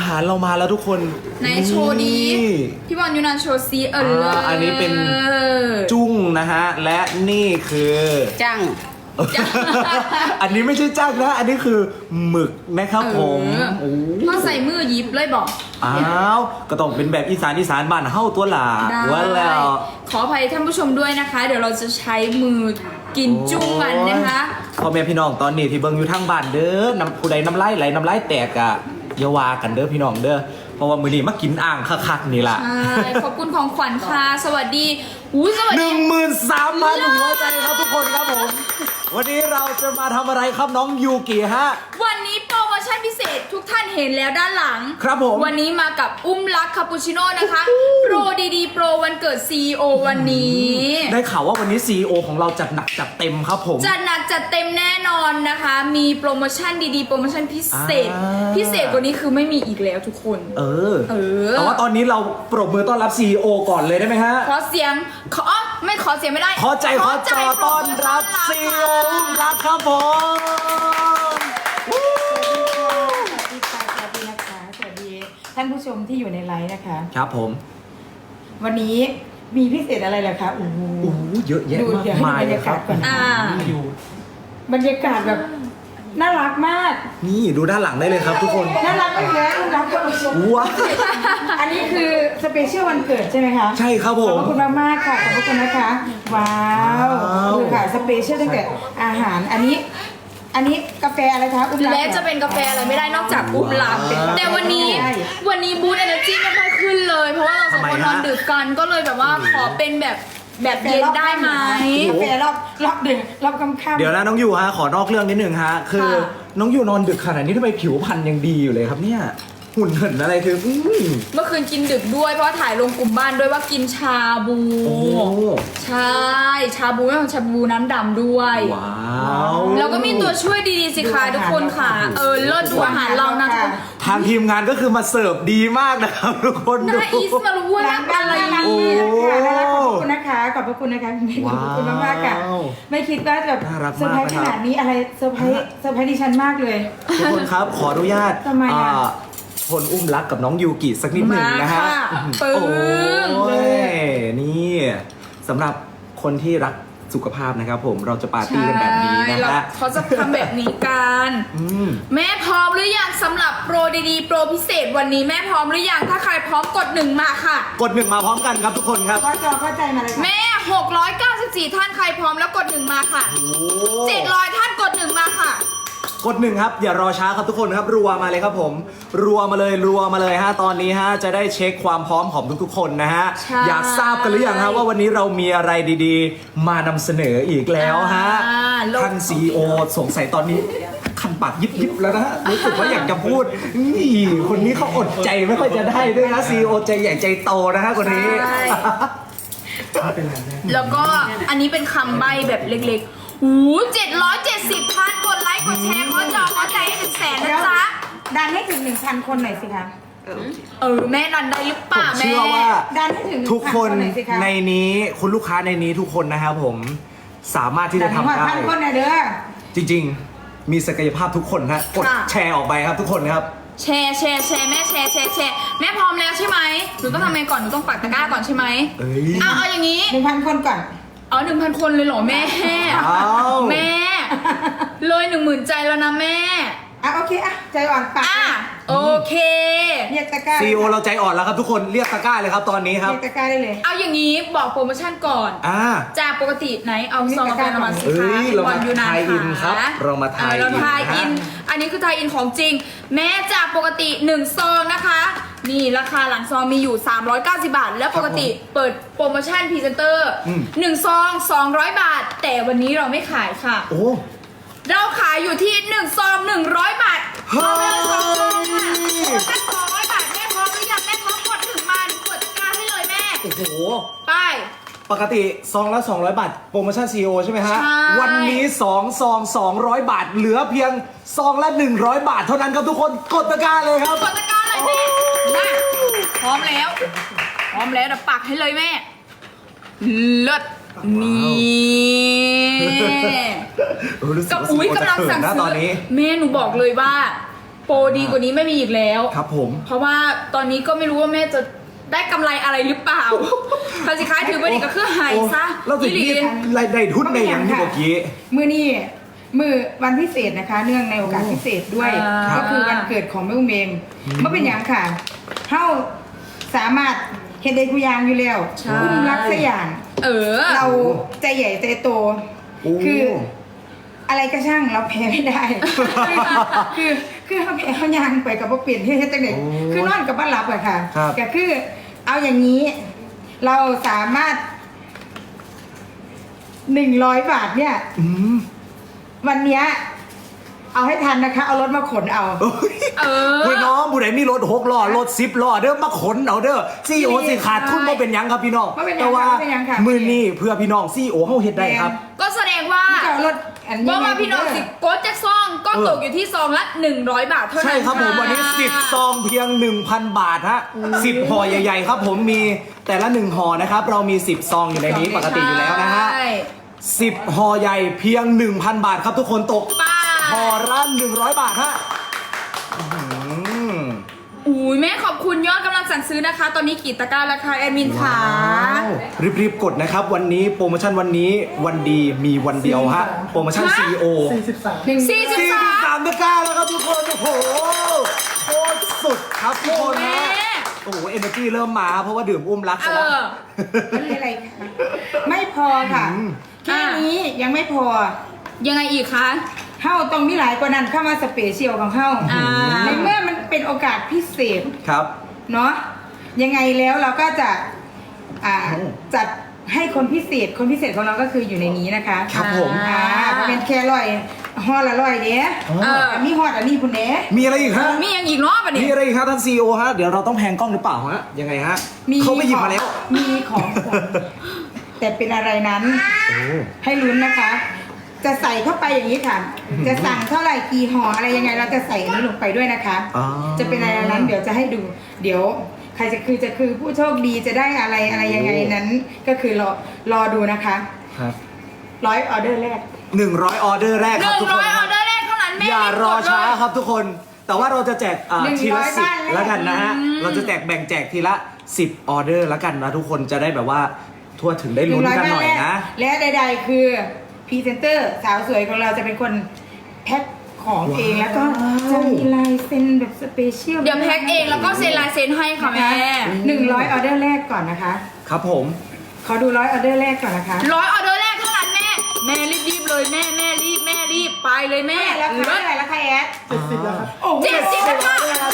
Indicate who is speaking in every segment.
Speaker 1: ารเรามาแล้วทุกคน
Speaker 2: ไหนโชว์ดีพี่บอลยูนานโชว์ซี
Speaker 1: อันนี้เป็นจุ้งนะฮะและนี่คือ
Speaker 3: จัง
Speaker 1: อันนี้ไม่ใช่จ้างนะอันนี้คือหมึกนะครับผม
Speaker 2: ถ้าใส่มือยิบเลยบอก
Speaker 1: อ้าวก็ต้องเป็นแบบอีสานบ้านเฮ้าตัวหลาว่าแล้ว
Speaker 2: ขออภัยท่านผู้ชมด้วยนะคะ เดี๋ยวเราจะใช้มือกินจุ้งกันนะคะ
Speaker 1: พ่อแม่พี่น้องตอนนี้ที่เบิ่งอยู่ทางบ้านเด้อผู้ใดน้ำลายไหลน้ำลายแตกอะอย่าว่ากันเด้อพี่น้องเด้อเพราะว่ามื้อนี้มากินอ่างคักๆนี่ล่ะ
Speaker 2: ใช่ขอบคุณของขวัญค่ะสวัสดีสวัสดี
Speaker 1: 13,000 หัวใจครับทุกคนครับผมวันนี้เราจะมาทำอะไรครับน้องยูกิฮะ
Speaker 2: วันนี้โปรโมชั่นพิเศษทุกท่านเห็นแล้วด้านหลัง
Speaker 1: ครับผม
Speaker 2: วันนี้มากับอุ้มลักคาปูชิโน่นะคะโปรดีๆโปรวันเกิด CEO วันนี้
Speaker 1: ได้ข่าวว่าวันนี้ CEO ของเราจัดหนักจัดเต็มครับผม
Speaker 2: จัดหนักจัดเต็มแน่นอนนะคะมีโปรโมชั่นดีๆโปรโมชั่นพิเศษพิเศษกว่านี้คือไม่มีอีกแล้วทุกคน
Speaker 1: แต่ว่าตอนนี้เราปรบมือต้อนรับ CEO ก่อนเลยได้ไหมฮะ
Speaker 2: ขอเสียงไม่ขอเสียงไม่ได้
Speaker 1: ขอใจขอจอต้อนรับ CEO อุ้มลักครับผม
Speaker 3: สวัสดีค่ะสวัสดีนะคะสวัสดีท่านผู้ชมที่อยู่ในไลฟ์นะคะ
Speaker 1: ครับผม
Speaker 3: วันนี้มีพิเศษอะไรเหรอคะโอ้โห
Speaker 1: เยอะแยะมากมายเลยครับ
Speaker 3: บรรยากาศแบบน่ารักมาก
Speaker 1: นี่ดูด้านหลังได้เลยครับทุกคน
Speaker 3: น่ารักมากเลยรักกับผู้ชม
Speaker 1: ว้า
Speaker 3: อันนี้คือสเปเชียลวันเกิดใช่ไหมคะ
Speaker 1: ใช่ครับผม
Speaker 3: ขอบคุณมากๆค่ะขอบคุณนะคะว้าวดูค่ะสเปเชียลตั้งแต่อาหารอันนี้กาแฟอะไรคะอุ้มลัก
Speaker 2: และจะเป็นกาแฟอะไรไม่ได้นอกจากอุ้มลักแต่วันนี้บูธเอเนอร์จีไม่ค่อยขึ้นเลยเพราะว่าเราสองคนนอนดึกกันก็เลยแบบว่าขอเป็นแบบเย็นได้ไหม
Speaker 3: กาแฟรอบดึกรอบค่ำ
Speaker 1: เดี๋ยวนะน้องยูฮะขอนอกเรื่องนิดนึงฮะคือน้องยูนอนดึกขนาดนี้ทำไมผิวพรรณยังดีอยู่เลยครับเนี่ยหุ่นเหินอะไรคือ
Speaker 2: เมื่อคืนกินดึกด้วยเพราะถ่ายลงกลุ่มบ้านด้วยว่ากินชาบูใช่ชาบูไม่ของชาบูน้ำดำด้วย
Speaker 1: ว้าว
Speaker 2: แล้วก็มีตัวช่วยดีๆสิคะทุกคนค่ะเลิศดูอาหารเรานะ
Speaker 1: ทางทีมงานก็คือมาเสิร์ฟดีมากนะครับทุกคน
Speaker 2: น่าอีสมารู้ว่าน่าอะไร
Speaker 3: ขอบคุณนะคะขอบคุณนะคะขอบคุณมากๆค่ะไม่คิดว่าแบบเซอร์ไพรส์ขนาดนี้อะไรเซอร์ไพรส์ดิฉันมากเลย
Speaker 1: ทุกคนครับขออนุญาตคนอุ้มรักกับน้องยูกิสักนิดหนึ่งนะฮะ
Speaker 2: โอ้
Speaker 1: ยนี่สำหรับคนที่รักสุขภาพนะครับผมเราจะปาร์ตี้กันแบบนี้นะฮะ
Speaker 2: เขาจะทำแบบนี้กันแม่พร้อมหรือยังสำหรับโปรดีๆโปรพิเศษวันนี้แม่พร้อมหรือยังถ้าใครพร้อมกด1มาค่ะ
Speaker 1: กด1มาพร้อมกันครับทุกคนครับ
Speaker 3: เข้าใจมาเลย
Speaker 2: แม่694ท่านใครพร้อมแล้วกด1มาค่ะ700ท่านกด1มาค่ะ
Speaker 1: กด1ครับอย่ารอช้าครับทุกคนครับรัวมาเลยครับผมรัวมาเลยฮะตอนนี้ฮะจะได้เช็คความพร้อมของทุกๆคนนะฮะอยากทราบกันหรือยังฮะว่าวันนี้เรามีอะไรดีๆมานำเสนออีกแล้วฮะท่าน CEO สงสัยตอนนี้คันปากยิบแล้วนะฮะรู้สึกว่าอยากจะพูดนี่คนนี้เขาอดใจไม่ค่อยจะได้ด้วยนะ CEO ใจใหญ่ใจโตนะฮะคนนี้
Speaker 2: แล้วก็อันนี้เป็นคำใบ้แบบเล็กๆ770พันกดไลค์กดแชร์ขอใจให้ถึง100,000นะจ๊ะ
Speaker 3: ดันให้ถึง 1,000 คนหน่อยสิคะ
Speaker 2: แม่ดันได้หรือเปล่าแม่
Speaker 1: เชื่อว่า
Speaker 3: ดันให้ถึง
Speaker 1: ทุกคนในนี้คุณลูกค้าในนี้ทุกคนนะครับผมสามารถที่จะทำได้
Speaker 3: 1,000 คนนะเด้อ
Speaker 1: จริงๆมีศักยภาพทุกคนฮะกดแชร์ออกไปครับทุกคนครับ
Speaker 2: แชร์แม่แชร์แม่พร้อมแล้วใช่ไหมหนูต้องทำไงก่อนหนูต้องปักตะกร้าก่อนใช่ไหมเอาอย่างนี้
Speaker 3: 1,000 คนก่อน
Speaker 2: 1,000 คนเลยเหรอแม่แม่เลย10,000 ใจแล้วนะแม่
Speaker 3: โอเคใจอ่อนปาก
Speaker 2: โอเค
Speaker 3: เรียกตะกร้า
Speaker 1: CEO เราใจอ่อนแล้วครับทุกคนเรียกตะกร้าเลยครับตอนนี้ครับ
Speaker 3: เรียกตะกร้าได้เลย
Speaker 2: เอาอย่างนี้บอกโปรโมชั่นก่อนจากปกติไหนเอาซองกาแฟมาสิคะ
Speaker 1: เรามาทายอินครับเรามาทาย
Speaker 2: อินอันนี้คือทายอินของจริงแม้จากปกติ1ซองนะคะนี่ราคาหลังซองมีอยู่390 บาทแล้วปกติเปิดโปรโมชั่นพรีเซนเตอร์1ซอง200 บาทแต่วันนี้เราไม่ขายค่ะเราขายอยู่ที่1ซอง100 บาทเอาไปเลย2ซองค่ะ200 บาทแม่พร้อมหรือยังแม่พร้อมกดถึงมาหนูกดกาให้เลยแม่
Speaker 1: โอ้โห
Speaker 2: ไป
Speaker 1: ปกติซองละ200 บาทโปรโมชั่น CEO ใช่ไหมฮะวันนี้2ซอง200 บาทเหลือเพียงซองละ100 บาทเท่านั้นครับทุกคนกดตะกร้าเลยครับ
Speaker 2: กดตะกร้าเลยแม่มาพร้อมแล้วเดี๋ยวปักให้เลยแม่เลิศนี่
Speaker 1: กับ
Speaker 2: กำลังสั่งซื้อแม่หนูบอกเลยว่าโปรดีกว่านี้ไม่มีอีกแล้ว
Speaker 1: ครับผม
Speaker 2: เพราะว่าตอนนี้ก็ไม่รู้ว่าแม่จะได้กำไรอะไรหรือเปล่าคาสิค้ายถือว่าดีก็คือหายซะ
Speaker 1: เราถึงนี่รายได้ทุนในอย่างที่เมื่อกี้
Speaker 3: มือนี่มือวันพิเศษนะคะ เนื่องในโอกาสพิเศษด้วย ก็คือวันเกิดของแม่อุ้มเองเมื่อเป็นอย่างค่ะเท่าสามารถเห็นได้กุยางอยู่แล้วอุ้มรักสกอย่าง เราใจใหญ่ใจโต คืออะไรก็ช่างเราแพ้ไม่ได้ คือเขาแพ้เขายางไปกับว่าเปลี่ยนที่จังเด็กคือนอนกับบ้านหลับอะค่ะก็คือเอาอย่างนี้ เราสามารถ100 บาทเนี่ยวันเนี้ยเอาให้ทันนะคะ เอารถมาขนเอา
Speaker 1: พี่น้องผู้ใดมีรถ6 ล้อรถ10 ล้อเด้อมาขนเอาเด้อซีโอสิขาดทุนบ่เป็นหยังครับพี่น้องแต่ว่ามือนี้เพื่อพี่น้องซีโอเฮาเฮ็ดได้ครับ
Speaker 2: ก็แสดงว่า
Speaker 3: รถอันนี้
Speaker 2: เพราะว่าพี่น้องสิโกดแจ็คซองก็ตกอยู่ที่ซองละ100 บาทเท่านั้น
Speaker 1: ใช่ครับผมวันนี้10 ซองเพียง 1,000 บาทฮะ10 ห่อใหญ่ๆครับผมมีแต่ละ1ห่อนะครับเรามี10 ซองอยู่ในนี้ปกติอยู่แล้วนะฮะ10 ห่อใหญ่เพียง 1,000 บาทครับทุกคนตกห่อละ100 บาทฮะ
Speaker 2: อุ้ยแม่ขอบคุณยอดกำลังสั่งซื้อนะคะ ตอนนี้กี่ตะกร้าราคาแอดมินค่ะ
Speaker 1: รีบๆกดนะครับวันนี้โปรโมชั่นวันนี้วันดีมีวันเดียวฮะโปรโมชั่น CEO
Speaker 2: 43
Speaker 1: ตะกร้าแล้วครับทุกคนโอ้โหโคตรสุดครับทุกคนฮะโอ้โหเอเนอร์จีเริ่มมาเพราะว่าดื่มอุ้มรักซะแล้ว
Speaker 3: ไม่อะไรค่ะไม่พอค่ะแค่นี้ยังไม่พอ
Speaker 2: ยังไงอีกคะ
Speaker 3: เฮ้าต้องมีหลายกว่านั้นเข้ามาสเปเชียลของเฮ้าในเมื่อมันเป็นโอกาสพิเศษ
Speaker 1: ครับ
Speaker 3: เนาะยังไงแล้วเราก็จะจัดให้คนพิเศษของเราก็คืออยู่ในนี้นะคะ
Speaker 1: ครับผม
Speaker 3: เป็นแครอยห่อละร้อยเด้มีห่ออันนี้คุณเด้
Speaker 1: มีอะไรอีกฮะ
Speaker 2: มีอย่างอีกเนาะปะเนี่ย
Speaker 1: มีอะไรอีกครับท่านซีโอฮะเดี๋ยวเราต้องแพงกล้องหรือเปล่าฮะยังไงฮะเขาไม่หยิบมาแล้ว
Speaker 3: มีของขวัญแต่เป็นอะไรนั้นให้ลุ้นนะคะ จะใส่เข้าไปอย่างนี้ค่ะ จะสั่งเท่าไหร่กี่ห่ออะไรยังไงเราจะใส่อันนี้ลงไปด้วยนะคะ จะเป็นอะไรนั้นเดี๋ยวจะให้ดู เดี๋ยวใครจะคือผู้โชคดีจะได้อะไรยังไงนั้น ก็คือรอดูนะคะ
Speaker 1: ครับ
Speaker 3: 100 ออเดอร์แรก
Speaker 1: 100 ออเดอร์แรกครับทุกคน
Speaker 2: 100 ออเดอร์แรกเท่านั้นแม่
Speaker 1: อย่ารอช้าครับทุกคน แต่ว่าเราจะแจกทีละ
Speaker 3: 100 บ้าน
Speaker 1: 10แล้วกันนะฮะเราจะแบ่งแจกทีละ10 ออเดอร์แล้วกันนะทุกคนจะได้แบบว่าทั่วถึงได้ลุ้นกันหน่อยนะ
Speaker 3: และใดๆคือพรีเซนเตอร์สาวสวยของเราจะเป็นคนแพ็คของเองแล้วก็จะมีลายเซ็นแบบสเปเชียล
Speaker 2: เดี๋ยวแพ็คเองแล้วก็เซ็นลายเซ็นให้ค่ะแม่
Speaker 3: 100 ออเดอร์แรกก่อนนะคะ
Speaker 1: ครับผม
Speaker 3: ขอดู100 ออเดอร์แรกก่อนนะคะ
Speaker 2: 100 ออเดอร์แรกเท่านั้นแม่รีบเลยแม่รีบไปเลยแม่
Speaker 3: แล้วค่ะเท่าไหร่แล้วค่ะแอด
Speaker 1: 70แล้วครับ
Speaker 2: 70แล้วค่ะ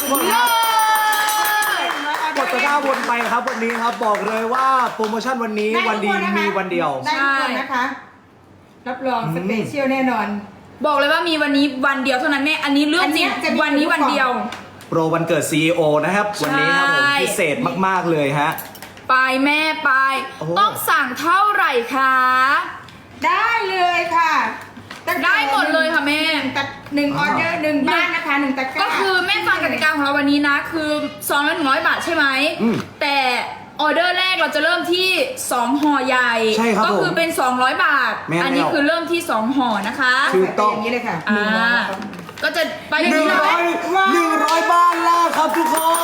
Speaker 1: กดตะกร้าวนไปครับวันนี้ครับบอกเลยว่าโปรโมชั่นวันนี้วันดีมีวันเดียว
Speaker 3: ได้ทุกคนนะคะ รับรองสเปเชียลแน่นอน
Speaker 2: บอกเลยว่ามีวันนี้วันเดียวเท่านั้นแม่อันนี้เรื่องจริงวันนี้วันเดียว
Speaker 1: โปรวันเกิด CEO นะครับวันนี้ครับผมพิเศษมากๆเลยฮะ
Speaker 2: ไปแม่ไป ต้องสั่งเท่าไหร่คะ
Speaker 3: ได้เลยค่ะ
Speaker 2: ได้หมดเลยค่ะแม่
Speaker 3: หนึ่งออเดอร์1 บ้านนะคะ1 ตะกร้า
Speaker 2: ก็คือแม่ฟังกติกาของเราวันนี้นะคือซองละ100 บาทใช่ไหมแต่ออเดอร์แรกเราจะเริ่มที่2 ห่อใหญ่
Speaker 1: ใช่ครับ
Speaker 2: ก็คือเป็น200 บาท อันนี้คือเริ่มที่2 ห่อนะคะ
Speaker 1: ถูกต้อง
Speaker 3: อย่างนี้เลยค่ะ
Speaker 2: ก็จะไปอย่างนี้เลย
Speaker 1: 100 บ้านแล้วครับทุกคน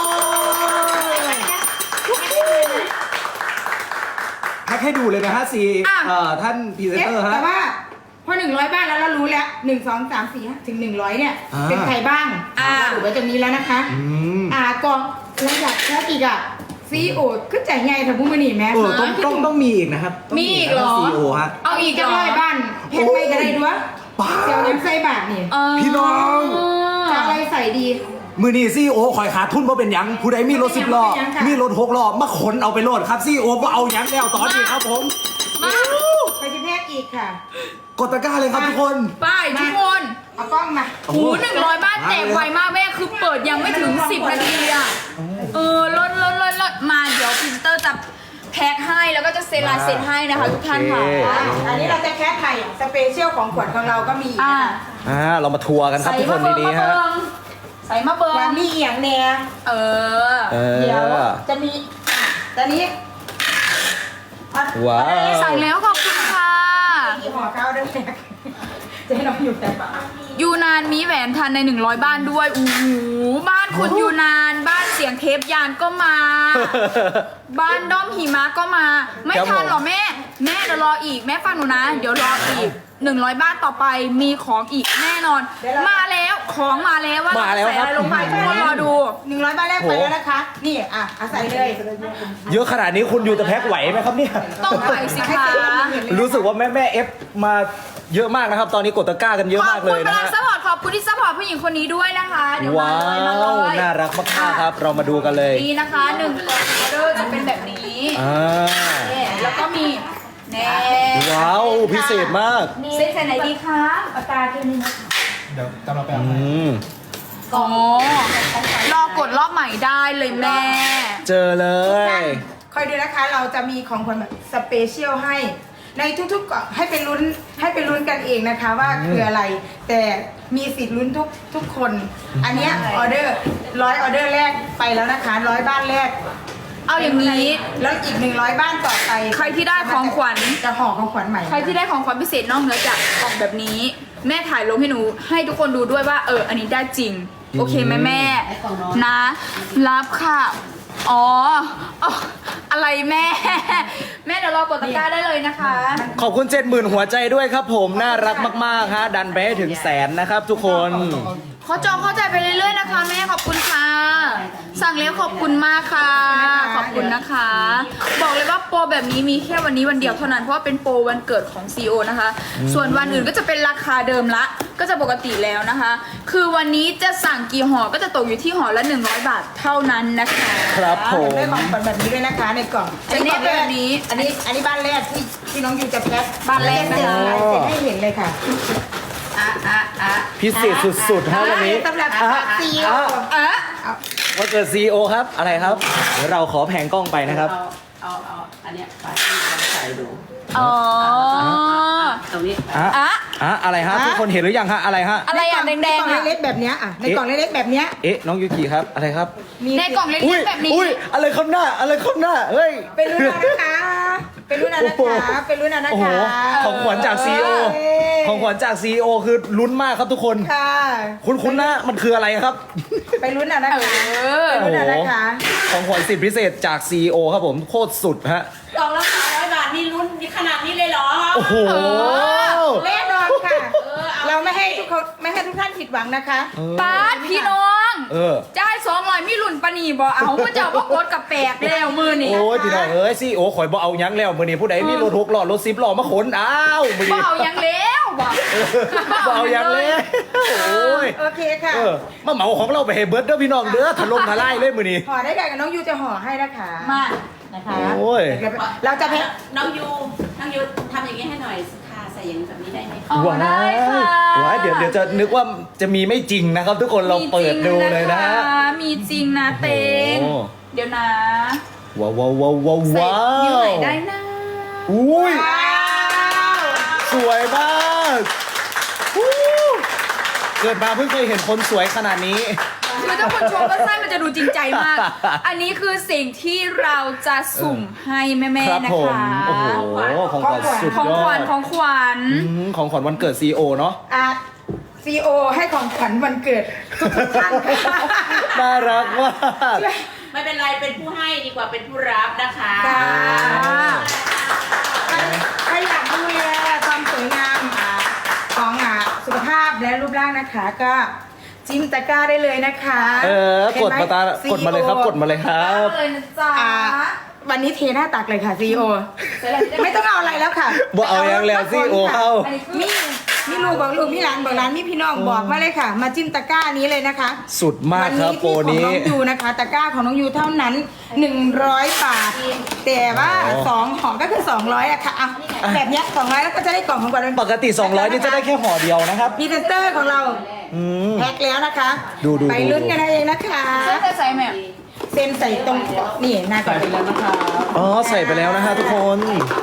Speaker 1: แพ็คให้ดูเลยนะฮะท่านพรีเซนเตอร์ฮะ
Speaker 3: แต่ว่าพอ100 บ้านแล้วเรารู้แล้ว1 2 3 4ถึง100เนี่ยเป็นใครบ้างเราดูไว้ตรงนี้แล้วนะคะกองระดับแพ็คอีกซีโอขึ้นใจใหญ่ถ้าพูดมาหนีแม่
Speaker 1: ต้องมีอีกนะครับ
Speaker 2: มีอีกเหรอ
Speaker 1: CEO ฮะ
Speaker 2: เอาอีกเหรอ
Speaker 3: 100 บ้านแพ็คไม่ก็ได้ด้วยเจ้าน้ำใส่บาทนี่
Speaker 1: พี่น้อง
Speaker 3: จะอะไรใส่ดี
Speaker 1: มือนี่CEOคอยขาดทุนเพราะเป็นหยังผู้ใดมีรถ10 ล้อมีรถ6 ล้อมาขนเอาไปโหลดครับCEOก็เอาหยังแล้วตอนนี้ครับผม
Speaker 2: มา
Speaker 3: ไปจะแพ็คอีกค่ะ
Speaker 1: กดตะกร้าเลยครับทุกคน
Speaker 2: ไปทุกคน
Speaker 3: เอากล้องมา
Speaker 2: โอ้โห100 บ้านแจกไวมากแม่คือเปิดยังไม่ถึง10 นาทีลดมาเดี๋ยวพรีเซนเตอร์จะแพ็คให้แล้วก็จะเซ็นลายเซ็นให้นะคะทุกท่านค่ะ
Speaker 3: อันนี้เราจะแค่ไข่สเปเชียลของขวัญของเราก็มี
Speaker 1: เรามาทัวร์กันครับทุกคนดีๆฮะ
Speaker 2: ใส่มาเบิร์
Speaker 3: วัน
Speaker 2: ง
Speaker 3: มีเอียงแน่ เดี๋ยวจะมีตอนนี้
Speaker 1: ว้าว
Speaker 2: ใส่แล้วขอบคุณค่ะ
Speaker 3: มีห่อข้าวด้วยแม่จะให้น้องอยู่แต่
Speaker 2: ยูนานมีแหวนทันใน100บ้านด้วยโอ้โหบ้านคุณยูนานบ้านเสียงเทปยานก็มา บ้านด้อมหิมะก็มา ไม่ทันหรอแม่เดี๋ยวรออีกแม่ฟังหนูนะ เดี๋ยวรออีก100บ้านต่อไปมีของอีกแน่นอน มาแล้วของมาแล้วว่า
Speaker 1: มาแล้ว
Speaker 2: ใส่
Speaker 1: ครั
Speaker 2: อะ
Speaker 1: บ
Speaker 2: ไรลงไปทุกคนรอดู
Speaker 3: 100บ้านแรกไปแล้วนะคะ นี่อ่ะเอาใส่เลย
Speaker 1: เยอะขนาดนี้คุณยูจะแพ็คไหวไหมครับเนี่ย
Speaker 2: ต้องไปสิคะ
Speaker 1: รู้สึกว่าแม่เอฟมาเยอะมากนะครับ ตอนนี้กดตะกร้ากันเยอะ
Speaker 2: ขอ
Speaker 1: มา
Speaker 2: บ
Speaker 1: ก
Speaker 2: คุ
Speaker 1: เล
Speaker 2: ณ
Speaker 1: ย
Speaker 2: พ
Speaker 1: นะ
Speaker 2: ลัง
Speaker 1: ฮะ
Speaker 2: ซัพพอร์ตขอบคุณที่ซัพพอร์ตผู้หญิงคนนี้ด้วยนะคะเดี๋ยวมา
Speaker 1: ว้า
Speaker 2: เลยมาเล
Speaker 1: วย น่ารักมากๆครับ เรามาดูกันเลย
Speaker 2: นี่นะคะ1กล่องออเดอร์จะเป็นแบบนี้
Speaker 1: อ่า
Speaker 2: นี่แล้วก็มีแน่
Speaker 1: ว้าวพิเศษมาก
Speaker 2: เส้นใส่ไหนดีคะปากกาแค่นี้นะ
Speaker 4: เดี๋ยวกำลังไป
Speaker 1: อื
Speaker 4: เอา
Speaker 1: ม
Speaker 2: อ๋อรอกดรอบใหม่ได้เลยแม่
Speaker 1: เจอเลย
Speaker 3: คอยดูนะคะเราจะมีของขวัญแบบสเปเชียลให้ในทุกๆกล่องให้เป็นลุ้นกันเองนะคะว่าคืออะไร แต่มีสิทธิ์ลุ้นทุกคน อันเนี้ยออเดอร์100ออเดอร์แรกไปแล้วนะคะ100บ้านแรก
Speaker 2: เอาอย่างนี้
Speaker 3: แล้วอีก100บ้านต่อไป
Speaker 2: ใครที่ได้ของขวัญ
Speaker 3: จะห่อของขวัญใหม่
Speaker 2: ใครที่ได้ของขวัญพิเศษนอกเหนือจากกล่องแบบนี้ แม่ถ่ายลงให้หนูให้ทุกคนดูด้วยว่าอันนี้ได้จริง โอเคไหมแม่นะ รับค่ะอ๋ออะไรแม่ แม่เดี๋ยวรอกดตะกร้าได้เลยนะคะ
Speaker 1: ขอบคุณ 70,000 หัวใจด้วยครับผมน่ารักมากๆฮะดันไปให้ถึง100,000นะครับทุกคน
Speaker 2: เขาจองเข้าใจไปเรื่อยๆนะคะแม่ขอบคุณค่ะ สั่งแล้วขอบคุณมากค่ะ ขอบคุณนะคะ บอกเลยว่าโปรแบบนี้มีแค่วันนี้วันเดียวเท่านั้นเพราะว่าเป็นโปรวันเกิดของ CEO นะคะ ส่วนวันอื่นก็จะเป็นราคาเดิมละ ก็จะปกติแล้วนะคะ คือวันนี้จะสั่งกี่ห่อก็จะตกอยู่ที่ห่อละ100 บาทเท่านั้นนะคะ
Speaker 1: ครับผม
Speaker 3: ได้ของขวัญแบบนี้ด้วยนะคะในกล่อง
Speaker 2: จะแนบแบบนี้
Speaker 3: อันนี้บ้านแรกที่น้องยูจะแพ็ค
Speaker 2: บ้านแรกนะคะ
Speaker 3: เสร็จให้เห็นเลยค่ะ
Speaker 1: พิเศษสุดๆฮะวันนี้
Speaker 3: สำหรับ ซีอีโอ
Speaker 1: วันเกิด CEO ครับอะไรครับเดี๋ยวเราขอแผงกล้องไปนะครับ
Speaker 5: เอาอันเนี้ยไปลองใส่ดู
Speaker 2: อ๋อ
Speaker 5: ตรงนี้
Speaker 1: อะไรฮะทุกคนเห็นหรือยังฮะอะไรฮะ
Speaker 2: อะไรอ่ะแดงๆ
Speaker 3: ในกล่
Speaker 2: อ่ะ
Speaker 3: องเล็กๆแบบเนี้ยในกล่องเล็กๆแบบเนี้ย
Speaker 1: เอ๊ะน้องยูกิครับอะไรครับ
Speaker 3: มี
Speaker 2: ในกล่องเล็
Speaker 1: อุ้ย
Speaker 2: กๆแบบนี้
Speaker 1: อุ้ยอะไรครับหน้าอะไรครับหน้าเฮ้ย
Speaker 3: เป็นรุ่นเอานะคะเป็นรุ่นเอานะคะเป็นรุ่นเอานะ
Speaker 1: โอ้โห
Speaker 3: คะ
Speaker 1: ของขวัญจาก CEO ของขวัญจาก CEO คือลุ้นมากครับทุกคน
Speaker 3: ค่ะ
Speaker 1: คุ้นๆนะมันคืออะไรครับ
Speaker 3: ไปรุ่นเอานะคะเป็นรุ่นเอานะคะ
Speaker 1: ของขวัญสิทธิพิเศษจาก CEO ครับผมโคตรสุดฮะ
Speaker 5: กล่องละ300 บาทนี่ลุ้นขนาดนี้เลยเหรอ
Speaker 1: โอ้โห
Speaker 3: แน่นอนค่ะ เราไม่ให้ทุกท่านผิดหวังนะคะ
Speaker 2: ป้าดพี่น้อง
Speaker 1: จ่
Speaker 2: าย200มีหลุ่นปะนีบ่เอาก็จะบอกรถกับแปลกแล้วมือนี่
Speaker 1: โอ้ยพี่น้องเอ้ย CEO ข่อยบ่เอาหยังแล้วมื้อนี้ผู้ใดมีรถ6ล้อรถ10ล้อมาขนอ้าวมื้อ
Speaker 2: บ่
Speaker 1: นี้
Speaker 2: เอายังแล้วบ่
Speaker 1: บ่เอาหยังเลยโอ้ย
Speaker 3: โอเคค่ะ
Speaker 1: มาเหมาของเราไปให้เบิร์ดเด้อพี่น้องเด้อถล่มทลายเลยมื้อนี้
Speaker 3: ห่อได้ค่ะกับน้องยูจะห่อให้นะคะ
Speaker 2: มา
Speaker 3: นะคะ
Speaker 1: โอ้ย
Speaker 3: เราจะแพ็ค
Speaker 5: น้องยูทำอย่างนี้ให้หน่อยค่ะใส่อย่างแบบนี้ได้ไหม
Speaker 2: อ๋อได้ค่ะ
Speaker 1: ว้ายเดี๋ยวจะนึกว่าจะมีไม่จริงนะครับ ทุกคนเราเปิดดูเลยนะฮะ
Speaker 2: มีจริงนะเตง
Speaker 1: โอ้
Speaker 2: เดี๋ยวนะ
Speaker 1: ว้าวว้าวว้าวว้าว
Speaker 2: ใส่
Speaker 1: ว้า
Speaker 2: นิ้ว
Speaker 1: ว
Speaker 2: ไหนได้นะ
Speaker 1: อุ้ย
Speaker 3: ว้าว
Speaker 1: สวยมากฮู้เกิดมาเพิ่งเคยเห็นคนสวยขนาดนี้
Speaker 2: คือถ้าคนชมก็ใช่มันจะดูจริงใจมาก อันนี้คือสิ่งที่เราจะสุ่มให้แม่
Speaker 1: ครับ
Speaker 2: ๆนะ
Speaker 1: ผม
Speaker 2: คะ
Speaker 1: โอ้โหของขวัญสุด
Speaker 2: ของ
Speaker 1: ย
Speaker 2: ข
Speaker 1: อ
Speaker 2: วั
Speaker 1: ด
Speaker 2: ญของขวัญ
Speaker 1: ของขวัญวันเกิด CEO เนาะ
Speaker 3: ซีโอให้ของขวัญวันเกิดทุกท่านค่ะ
Speaker 1: น่ารักมาก
Speaker 5: ไม่เป็นไรเป็นผู้ให้ดีกว่าเป็นผู้รับนะคะ
Speaker 3: ค่ะใครอยากดูแลความสวยงามของสุขภาพและรูปร่างนะคะ ก็จิ้มตะกร้าได้เลยนะคะ
Speaker 1: กดมาตากดมาเลยครับกดมาเลยครับ
Speaker 2: เลยนะจ๊ะ
Speaker 3: วันนี้เทหน้าตักเลยค่ะซีโอไม่ต้องเอาอะไรแล้วค่ะ
Speaker 1: บ่เอายังแล้ว CEO เข้า
Speaker 3: มีลูกบอกลูกมีหลานบอกหลานมีพี่น้องบอกมาเลยค่ะ มาจิ้มตะกร้านี้เลยนะคะ
Speaker 1: สุดมากครับโปร
Speaker 3: วัน
Speaker 1: นี้
Speaker 3: ที่ของน้องยูนะคะ ตะกร้าของน้องยูเท่านั้น 100 บาท แต่ว่า
Speaker 1: อ๋อ
Speaker 3: 2ห่อก็คือ200อะค่ะอ่ะแบบเนี้ย200แล้วก็จะได้กล่องของขวัญวัน
Speaker 1: ปกติ 200 นี่จะได้แค่ห่อเดียวนะครับ
Speaker 3: พรีเซนเตอร์ของเรา
Speaker 1: อืม
Speaker 3: แพ็คแล้วนะคะ
Speaker 1: ดู
Speaker 3: ไปลุ้นกันเองนะคะ
Speaker 2: เส้นจะใส่แม่
Speaker 3: เซ็นใส่ตรงนี่หน้าก่อนไปแล้วนะคะ
Speaker 1: อ๋อใส่ไปแล้วนะฮะทุกคน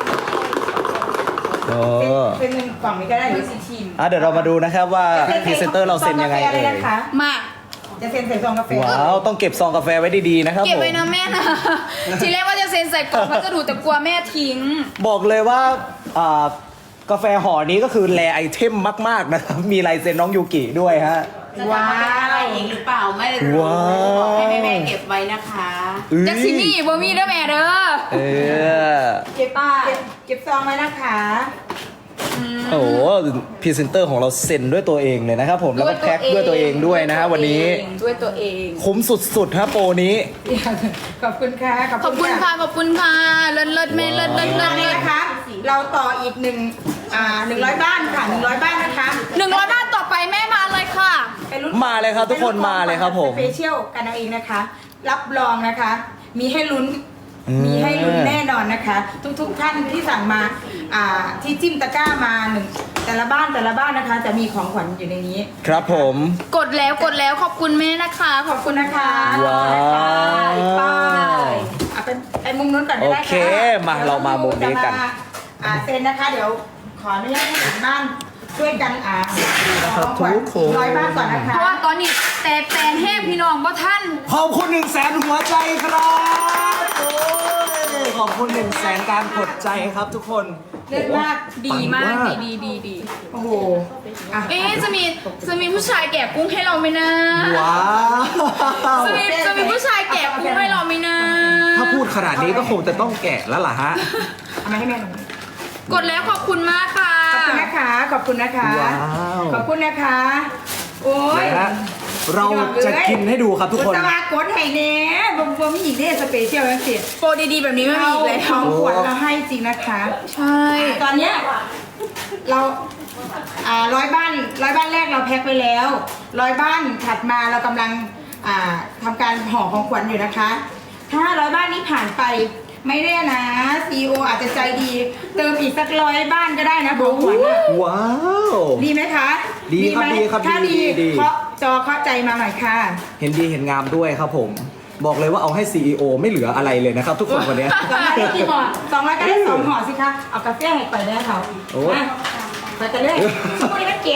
Speaker 1: เออ
Speaker 3: เป็นกล่องนี้ก็ได้หรือ
Speaker 2: สีทีม
Speaker 1: เดี๋ยวเรามาดูนะครับว่าพรีเซนเตอร์เราเซ็นยังไง
Speaker 3: ซอกาแฟ
Speaker 1: เอ่
Speaker 3: เลย นะคะ
Speaker 2: มา
Speaker 3: จะเซ็นใส่ซองกาแฟ
Speaker 1: ว้าวต้องเก็บซองกาแฟไว้ดีๆนะครับ
Speaker 2: เก็บ
Speaker 1: ผม
Speaker 2: ไว้นะแม่นะ ทีแรกว่าจะเซ็นใส่กล่องพัสดุแต่กลัวแม่ทิ้ง
Speaker 1: บอกเลยว่ากาแฟห่อนี้ก็คือแรไอเทมมากๆนะครับ มีลายเซ็นน้องยูกิด้วยฮะ
Speaker 5: จะทำมาเป็นอะไรอีกหรือเปล่าไม่รู้
Speaker 1: ว้าว
Speaker 5: บอกให้แม่ๆเก็บไว้นะคะ
Speaker 2: จักซิมี่บ่มีเด้อแม่เด้อ
Speaker 1: เออ
Speaker 3: เก็บซองไว้นะคะ
Speaker 1: โอ้โหพรีเซนเตอร์ของเราเซ็นด้วยตัวเองเลยนะครับผม แล้วก็แพ็คด้วยตัวเองด้วยนะฮะวันนี้
Speaker 2: ด้วยตัวเอง
Speaker 1: คุ้มสุดๆฮะโปรนี้
Speaker 3: ขอบคุณค่ะ
Speaker 2: ขอบคุณค่ะขอบคุณค่ะเลิศเลิศแม่เลิศเลิศ
Speaker 3: ต
Speaker 2: เลิ
Speaker 3: อน
Speaker 2: ศ
Speaker 3: นี้
Speaker 2: เลิศ
Speaker 3: นะคะ เราต่ออีก100 บ้านค่ะ100 บ้านนะคะ
Speaker 2: 100 บาทต่อไปแม่มาเลยค่ะ
Speaker 3: ไปลุ้น
Speaker 1: มาเลยครับทุกคนมาเลยครับผม
Speaker 3: สเปเชียลกันเอาเองนะคะ รับรองนะคะ มีให้ลุ้น
Speaker 1: อืม
Speaker 3: มีให้ลุ้นแน่นอนนะคะ ทุกท่านที่สั่งมาที่จิ้มตะกร้ามาแต่ละบ้านนะคะ จะมีของขวัญอยู่ในนี้
Speaker 1: ครับผม
Speaker 2: กดแล้วขอบคุณแม่นะคะ ขอบคุณนะคะ
Speaker 1: ว้าว
Speaker 3: ไปเอาเป็นมุมนู้นก่อนก็ได้ค่ะ
Speaker 1: โอเคมาเรามามุมนี้กัน
Speaker 3: จะมาเซ็นนะคะ เดี๋ยวขออนุญาตให้ถึงบ้านช่วยกันของขวัญ
Speaker 1: ทุกคน
Speaker 3: 100 บ้านก่อนนะคะ
Speaker 2: เพราะว่าตอนนี้แต่แฟนแห้งพี่น้องบ่ท่าน
Speaker 1: ขอบคุณ100,000หัวใจครับโอ้ยขอบคุณ100,000การกดใจครับทุกคน
Speaker 3: เลิศมาก
Speaker 2: ดีมาก
Speaker 1: ปัง
Speaker 2: ดี
Speaker 3: โอ้โหอ่ะ
Speaker 2: เอ๊ะจะมีผู้ชายแกะกุ้งให้เราไหมนะ
Speaker 1: ว้าว
Speaker 2: จะมีผู้ชายแกะกุ้งให้เราไหมนะ
Speaker 1: ถ้าพูดขนาดนี้ก็คงจะต้องแกะแล้วล่ะฮะ
Speaker 3: เอามาให้แม่หน่อย
Speaker 2: กดแล้วขอบคุณมากค่ะ
Speaker 3: ขอบคุณนะคะ ขอบคุณนะคะ
Speaker 1: ว้าว
Speaker 3: ขอบคุณนะคะ โอ้ย
Speaker 1: นะฮะเราจะกินให้ดูครับทุกคน
Speaker 3: ตะวากดให้เน่บวมอีกเด้สเปเชียลแล้วสิ
Speaker 2: โปรดีๆแบบนี้ไม่มีอีกแล้ว
Speaker 3: ของขวัญเราให้จริงนะคะ
Speaker 2: ใช่
Speaker 3: ตอนเนี้ยเรา100 บ้านแรกเราแพ็คไปแล้ว100 บ้านถัดมาเรากำลังทำการห่อของขวัญอยู่นะคะ ถ้า100 บ้านนี้ผ่านไปไม่แน่นะ CEO อาจจะใจดี เติมอีกสัก100 บ้านก็ได้นะของขวัญอะ
Speaker 1: ว้าว
Speaker 3: ดีไหมคะ
Speaker 1: ดีครับ
Speaker 3: ไหม
Speaker 1: ดีครับ
Speaker 3: ถ้า
Speaker 1: ดี
Speaker 3: ดี
Speaker 1: ดี
Speaker 3: เคาะจอเคาะใจมาหน่อยค่ะ
Speaker 1: เห็นดีเห็นงามด้วยครับผม บอกเลยว่าเอาให้ CEO ไม่เหลืออะไรเลยนะครับ ทุกคนวันเนี้ย
Speaker 3: 200ได้กี่ห่อ200ก็ได้2 ห่อสิคะ เอากาแฟให้ไปได้เขา
Speaker 1: โอ้
Speaker 3: ไปกันเลยช่วยนักเก็